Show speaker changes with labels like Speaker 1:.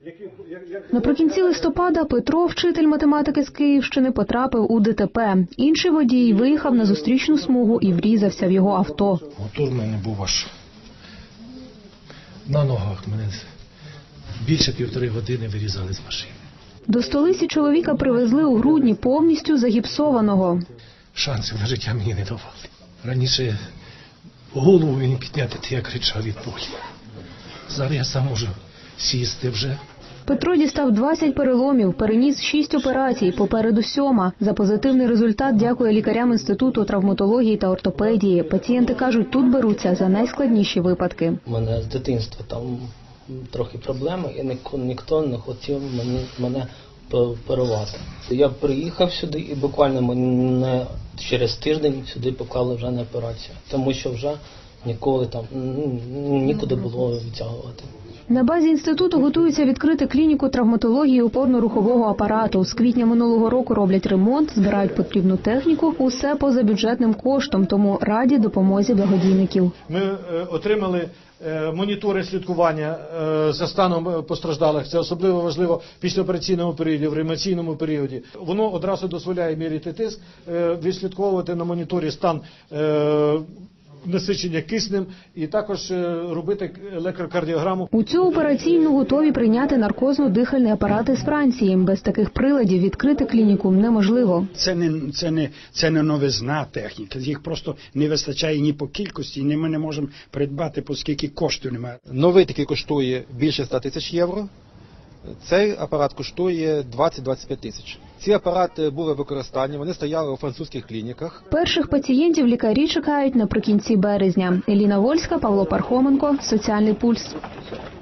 Speaker 1: Наприкінці листопада Петро, вчитель математики з Київщини, потрапив у ДТП. Інший водій виїхав на зустрічну смугу і врізався в його авто.
Speaker 2: Мотор в мене був аж на ногах. Мене більше 1,5 години вирізали з машини.
Speaker 1: До столиці чоловіка привезли у грудні повністю загіпсованого.
Speaker 2: Шансів на життя мені не давали. Раніше голову мені підняти, то я кричав від болі. Зараз я сам можу сісти вже.
Speaker 1: Петро дістав 20 переломів, переніс 6 операцій, попереду 7. За позитивний результат дякує лікарям Інституту травматології та ортопедії. Пацієнти кажуть, тут беруться за найскладніші випадки.
Speaker 3: У мене з дитинства там трохи проблеми, і ніхто не хотів мене оперувати. Я приїхав сюди і буквально мене через тиждень сюди поклали вже на операцію, тому що вже ніколи там нікуди було відтягувати.
Speaker 1: На базі інституту готуються відкрити клініку травматології опорно-рухового апарату. З квітня минулого року роблять ремонт, збирають потрібну техніку. Усе поза бюджетним коштом, тому раді допомозі благодійників.
Speaker 4: Ми отримали монітори слідкування за станом постраждалих. Це особливо важливо в післяопераційному періоді, в реанімаційному періоді. Воно одразу дозволяє міряти тиск, відслідковувати на моніторі стан насичення киснем і також робити електрокардіограму.
Speaker 1: У цю операційну готові прийняти наркозно-дихальні апарати з Франції. Без таких приладів відкрити клініку неможливо.
Speaker 5: Це не новизна техніка. Їх просто не вистачає ні по кількості, ні ми не можемо придбати, оскільки коштів немає.
Speaker 6: Новий такий коштує більше 100 тисяч євро. Цей апарат коштує 20-25 тисяч. Ці апарати були в використанні, вони стояли у французьких клініках.
Speaker 1: Перших пацієнтів лікарі чекають наприкінці березня. Еліна Вольська, Павло Пархоменко, Соціальний пульс.